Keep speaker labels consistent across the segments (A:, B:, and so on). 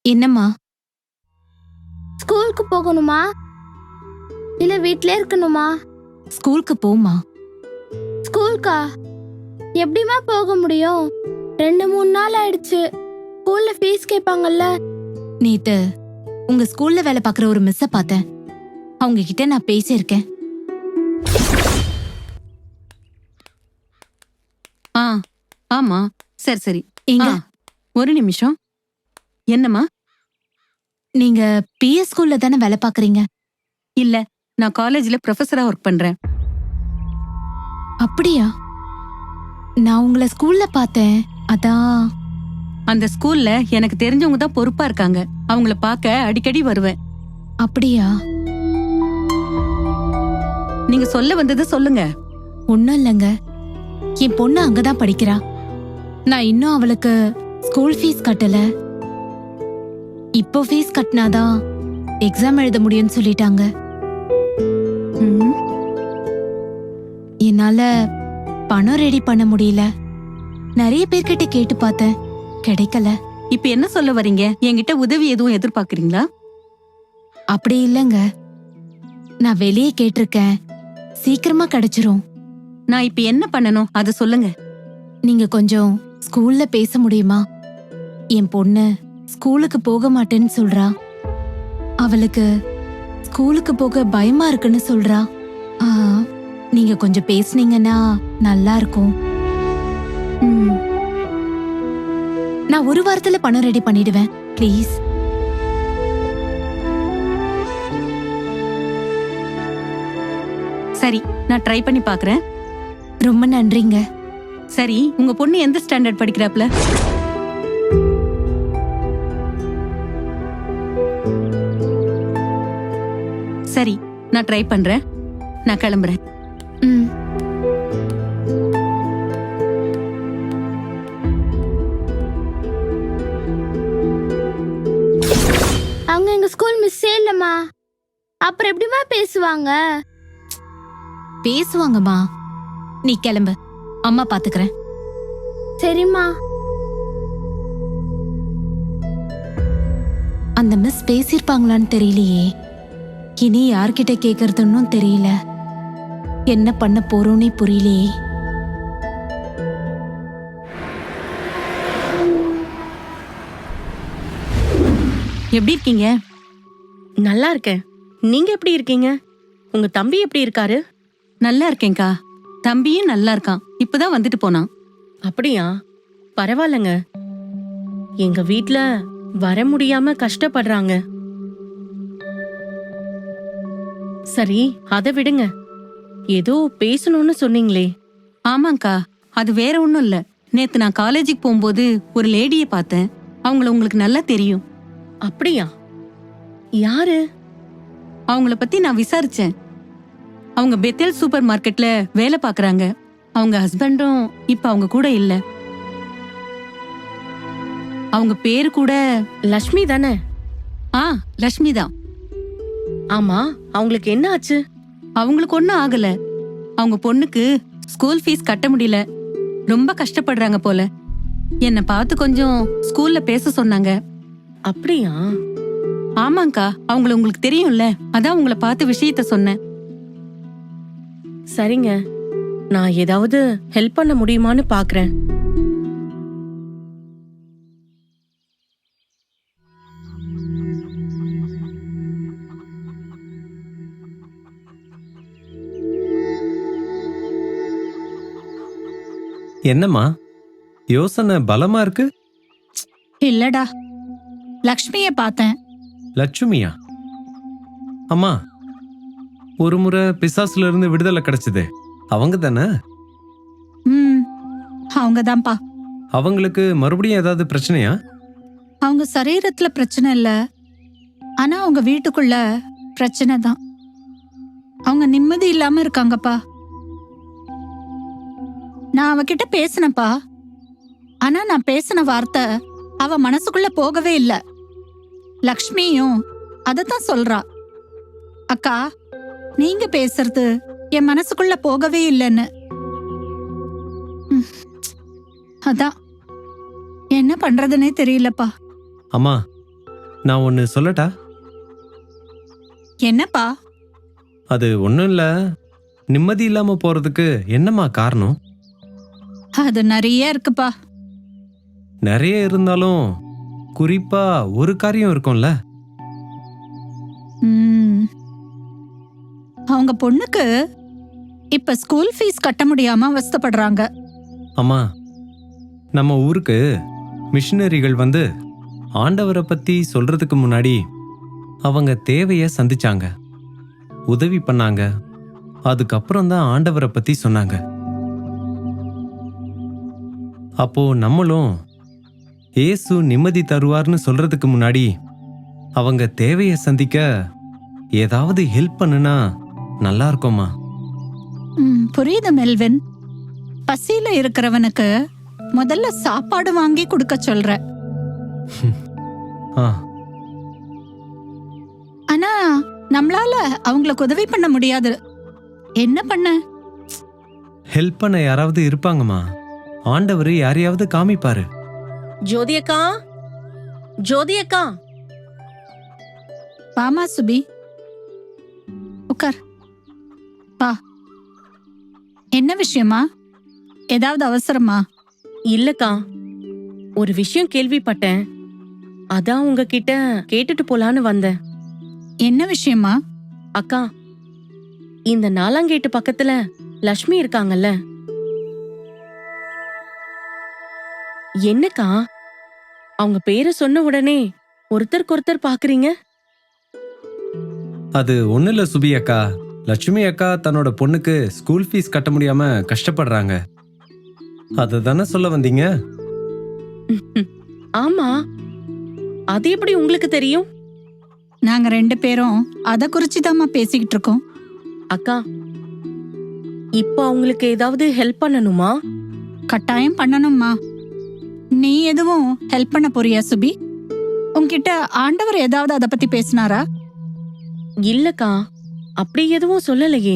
A: என்னம்மா?
B: ஸ்கூலுக்கு போகணுமா இல்ல வீட்லயே இருக்கணுமா?
A: ஸ்கூலுக்கு போம்மா.
B: ஸ்கூலுக்கா? எப்படிமா போக முடியும்? 2-3 நாள் ஆயிடுச்சு. ஸ்கூல்ல ஃபீஸ் கேட்பாங்கல்ல.
A: நேத்து உங்க ஸ்கூல்ல வேலை பார்க்குற ஒரு மிஸ்ஸ பார்த்தேன். அவங்க கிட்ட நான் பேசியிருக்கேன்.
C: ஆ ஆமா, சரி சரி.
A: எங்க?
C: ஒரு நிமிஷம். என்னம்மா?
A: நீங்க பிஎஸ் ஸ்கூல்ல தானே வேலை பார்க்குறீங்க?
C: இல்ல, நான் காலேஜ்ல ப்ரொஃபஸரா ஒர்க் பண்றேன்.
A: அப்படியா? நான் உங்களை ஸ்கூல்ல பார்த்தேன். அதான்.
C: அந்த ஸ்கூல்ல எனக்கு தெரிஞ்சவங்க தான் பொறுப்பா இருக்காங்க. அவங்கள பார்க்க அடிக்கடி வருவேன்.
A: அப்படியா?
C: நீங்க சொல்ல வந்தது சொல்லுங்க.
A: ஒன்னும் இல்லைங்க. என் பொண்ணு அங்கதான் படிக்கிறா. நான் இன்னும் அவளுக்கு ஸ்கூல் ஃபீஸ் கட்டல. இப்போ ஃபீஸ் கட்டினாதான் எக்ஸாம் எழுத முடியும்னு சொல்லிட்டாங்க.
C: ம்,
A: என்னால பணம் ரெடி பண்ண முடியல. நிறைய பேர்கிட்ட கேட்டு பார்த்தேன், கிடைக்கல.
C: இப்ப என்ன சொல்ல வரீங்க? என்கிட்ட உதவி எதுவும் எதிர்பார்க்கறீங்களா?
A: அப்படி இல்லைங்க. நான் வெளியே கேட்டிருக்கேன், சீக்கிரமா கிடைச்சிரும்.
C: நான் இப்ப என்ன பண்ணணும் அத சொல்லுங்க.
A: நீங்க கொஞ்சம் ஸ்கூல்ல பேச முடியுமா? என் பொண்ணு ஸ்கூலுக்கு போக மாட்டேன்னு சொல்றா. அவளுக்கு ஸ்கூலுக்கு போக பயமா இருக்குன்னு சொல்றா. ஆ, நீங்க கொஞ்சம் பேசுனீங்கன்னா நல்லா இருக்கும்.
C: ம்,
A: நான் ஒரு வாரத்துல பணம் ரெடி பண்ணிடுவேன். ப்ளீஸ்.
C: சரி, நான் ட்ரை பண்ணி பாக்குறேன்.
A: ரொம்ப நன்றிங்க.
C: சரி, உங்க பொண்ணு எந்த ஸ்டாண்டர்ட் படிக்கிறாப்ல? சரி, நான் ட்ரை பண்றேன். நான் கிளம்புறேன்.
A: ம்.
B: அவங்க எங்க ஸ்கூல் மிஸ்ஸே இல்லம்மா. அப்புறம் எப்படிமா பேசுவாங்க?
A: பேசுவாங்கம்மா. நீ கிளம்பு, அம்மா பாத்துக்கிறேன்.
B: சரிம்மா.
A: அந்த மிஸ் பேசியிருப்பாங்களான்னு தெரியலையே. இனி யார்கிட்ட கேக்குறதுன்னு தெரியல. என்ன பண்ண போறோன்னே புரியலையே.
C: எப்படி இருக்கீங்க?
D: நல்லா இருக்கேன். நீங்க எப்படி இருக்கீங்க? உங்க தம்பி எப்படி இருக்காரு?
C: நல்லா இருக்கேன்க்கா. தம்பியும் நல்லா இருக்கான். இப்பதான் வந்துட்டு போனான்.
D: அப்படியா? பரவாயில்லங்க. எங்க வீட்ல வர முடியாம கஷ்டப்படுறாங்க. சரி, அத விடுங்க. ஏதோ பேசணும்னு சொன்னீங்களே.
C: ஆமாங்கா, அது வேற ஒண்ணும் இல்ல. நேத்து நான் காலேஜுக்கு போகும்போது ஒரு லேடிய பார்த்தேன். அவங்கள உங்களுக்கு நல்லா தெரியும்.
D: அப்படியா? யாரு?
C: அவங்கள பத்தி நான் விசாரிச்சேன். அவங்க பெத்தேல் சூப்பர் மார்க்கெட்ல வேலை பாக்குறாங்க. அவங்க ஹஸ்பண்டும் இப்ப அவங்க கூட இல்ல. அவங்க பேரு கூட
D: லக்ஷ்மி தானே?
C: லட்சுமி தான்.
D: ஆமா, அவங்களுக்கு என்ன ஆச்சு?
C: அவங்களுக்கு ஒண்ணும் ஆகல. அவங்க பொண்ணுக்கு ஸ்கூல் ஃபீஸ் கட்ட முடியல. ரொம்ப கஷ்டப்படுறாங்க போல. என்ன பார்த்து கொஞ்சம் ஸ்கூல்ல பேச சொன்னாங்க.
D: அப்படியா?
C: ஆமாங்கா, அவங்கள உங்களுக்கு தெரியும்ல, அதான் உங்களை பார்த்து விஷயத்த சொன்னேன்.
D: சரிங்க, நான் ஏதாவது ஹெல்ப் பண்ண முடியுமான்னு பாக்குறேன்.
E: என்னம்மா யோசனை பலமா இருக்கு?
F: இல்லடா, லக்ஷ்மிய பார்த்தேன்.
E: லட்சுமியா? அம்மா, ஒரு முறை பிசாசுல இருந்து விடுதலை கிடைச்சதே அவங்க தானே?
F: ம், அவங்கதான்ப்பா.
E: அவங்களுக்கு மறுபடியும் ஏதாவது பிரச்சனையா?
F: அவங்க சரீரத்துல பிரச்சனை இல்ல, ஆனா அவங்க வீட்டுக்குள்ள பிரச்சனை தான். அவங்க நிம்மதி இல்லாம இருக்காங்கப்பா. நான் அவகிட்ட பேசினப்பா, ஆனா நான் பேசின வார்த்தை அவ மனசுக்குள்ள போகவே இல்ல. லக்ஷ்மியும் அதத்தான் சொல்றா. அக்கா, நீங்க பேசுறது என் மனசுக்குள்ள போகவே இல்லைன்னு. அதான் என்ன பண்றதுன்னே தெரியலப்பா.
E: அம்மா, நான் ஒன்று சொல்லட்டா?
F: என்னப்பா?
E: அது ஒன்றும் இல்லை, நிம்மதி இல்லாமல் போகிறதுக்கு என்னம்மா காரணம்?
F: அது நிறைய இருக்குப்பா.
E: நிறைய இருந்தாலும் குறிப்பாக ஒரு காரியம் இருக்கும்ல.
F: ம். அவங்க பொண்ணுக்கு இப்ப ஸ்கூல் ஃபீஸ் கட்ட முடியாம அவஸ்தைப்படுறாங்க.
E: அம்மா, நம்ம ஊருக்கு மிஷினரிகள் வந்து ஆண்டவரை பற்றி சொல்கிறதுக்கு முன்னாடி அவங்க தேவையை சந்திச்சாங்க, உதவி பண்ணாங்க. அதுக்கப்புறம் தான் ஆண்டவரை பற்றி சொன்னாங்க. அப்போ நம்மளும் இயேசு நிம்மதி தருவார்னு சொல்றதுக்கு முன்னாடி அவங்க தேவையை சந்திக்க ஏதாவது ஹெல்ப் பண்ணுனா நல்லா இருக்குமா?
F: புரியுது மெல்வின். பசியில இருக்கிறவனுக்கு முதல்ல சாப்பாடு வாங்கி கொடுக்க சொல்ற.
E: ஆ,
F: ஆனா நம்மளால அவங்களுக்கு உதவி பண்ண முடியாது. என்ன பண்ண?
E: ஹெல்ப் பண்ண யாராவது இருப்பாங்கம்மா. ஆண்டவர் யாரையாவது காமிப்பாரு.
D: ஜோதி அக்கா, ஜோதி அக்கா.
F: வாமா சுபி, உட்கார். வா. என்ன விஷயமா? ஏதாவது அவசரமா?
D: இல்லக்கா, ஒரு விஷயம் கேள்விப்பட்டேன். அதான் உங்ககிட்ட கேட்டுட்டு போலான்னு வந்தேன்.
F: என்ன விஷயமா?
D: அக்கா, இந்த நாலாங்கேட்டு பக்கத்துல லக்ஷ்மி இருக்காங்கல்ல, என்னக்கா அவங்க பேரை சொன்ன உடனே ஒருத்தருக்கு பாக்குறீங்க?
E: அது ஒன்றும் இல்லை சுபி அக்கா. லட்சுமி அக்கா தன்னோட பொண்ணுக்கு ஸ்கூல் ஃபீஸ் கட்ட முடியாம கஷ்டப்படுறாங்க. அதை தானே சொல்ல வந்தீங்க?
D: ஆமா, அது எப்படி உங்களுக்கு தெரியும்?
F: நாங்க 2 பேரும் அத குறிச்சுதாம்மா பேசிக்கிட்டு இருக்கோம்.
D: அக்கா, இப்ப அவங்களுக்கு ஏதாவது ஹெல்ப் பண்ணணுமா?
F: கட்டாயம் பண்ணணும்மா. நீ எதுவும் ஹெல்ப் பண்ண போறியா சுபி? உன்கிட்ட ஆண்டவர் ஏதாவது அத பத்தி பேசினாரா?
D: இல்லக்கா, அப்படி எதுவும் சொல்லலையே.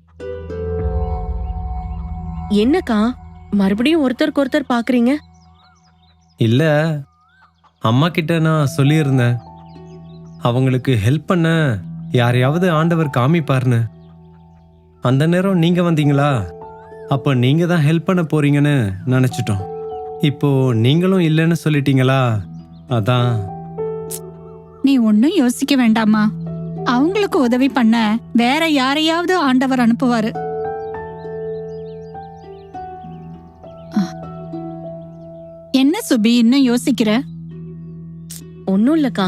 D: என்னக்கா மறுபடியும் ஒருத்தருக்கு பாக்குறீங்க?
E: இல்ல, அம்மா கிட்ட நான் சொல்லியிருந்தேன் அவங்களுக்கு ஹெல்ப் பண்ண யாரையாவது ஆண்டவர் காமிப்பார்னு. அந்த நேரம் நீங்க வந்தீங்களா? அப்ப நீங்க தான் ஹெல்ப் பண்ண போறீங்கன்னு நினைச்சிட்டோம். இப்போ நீங்களும் இல்லைன்னு சொல்லிட்டீங்களா, அதான்.
F: நீ ஒன்னும் யோசிக்க வேண்டாமா. அவங்களுக்கு உதவி பண்ண வேற யாரையாவது ஆண்டவர் அனுப்புவாரு. என்ன சுபி இன்னும் யோசிக்கிற?
D: ஒன்னும் இல்லக்கா.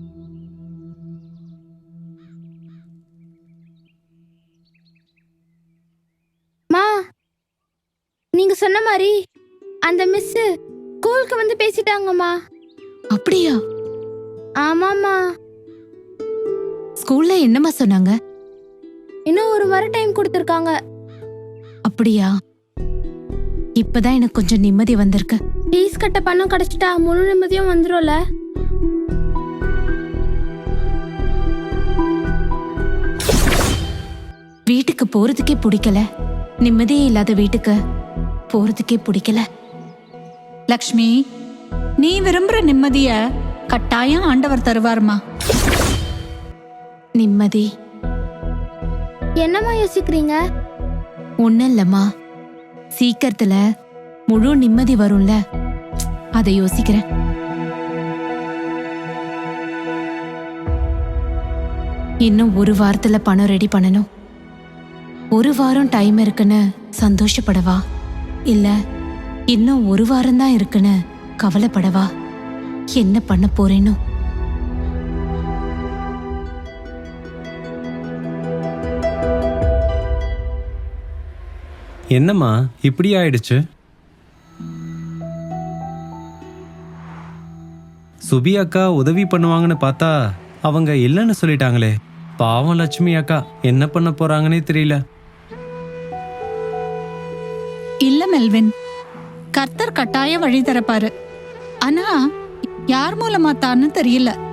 B: மா, நீங்க சொன்ன மாதிரி அந்த மிஸ் ஸ்கூலுக்கு வந்து பேசிட்டாங்கம்மா.
A: அப்படியா?
B: ஆமாம்மா.
A: ஸ்கூல்ல என்னம்மா சொன்னாங்க?
B: இன்னும் 1 வாரம் டைம் கொடுத்திருக்காங்க.
A: அப்படியா? இப்பதான் எனக்கு கொஞ்சம் நிம்மதி வந்திருக்கு.
B: ஃபீஸ் கட்ட பணம் கிடைச்சிட்டா முழு நிம்மதியும் வந்துரும்ல.
A: வீட்டுக்கு போறதுக்கே பிடிக்கல. நிம்மதியே இல்லாத வீட்டுக்கு போறதுக்கே பிடிக்கல.
F: லக்ஷ்மி, நீ விரும்புற நிம்மதிய கட்டாயம் ஆண்டவர் தருவார்மா.
A: நிம்மதி?
B: என்னம்மா யோசிக்கிறீங்க?
A: ஒன்னும் இல்லம்மா, சீக்கிரத்துல முழு நிம்மதி வரும்ல, அதை யோசிக்கிறேன். இன்னும் 1 வாரத்துல பணம் ரெடி பண்ணணும். 1 வாரம் டைம் இருக்குன்னு சந்தோஷப்படவா, இல்ல இன்னும் 1 வாரம் தான் இருக்குன்னு கவலைப்படவா? என்ன பண்ண போறேனோ?
E: என்னம்மா இப்படி ஆயிடுச்சு? சுபி அக்கா உதவி பண்ணுவாங்கன்னு பார்த்தா அவங்க இல்லைன்னு சொல்லிட்டாங்களே. பாவம் லட்சுமி அக்கா என்ன பண்ண போறாங்கன்னே தெரியல.
F: இல்ல மெல்வின், கர்த்தர் கட்டாய வழி தரப்பாரு. ஆனா யார் மூலமா தான்னு தெரியல.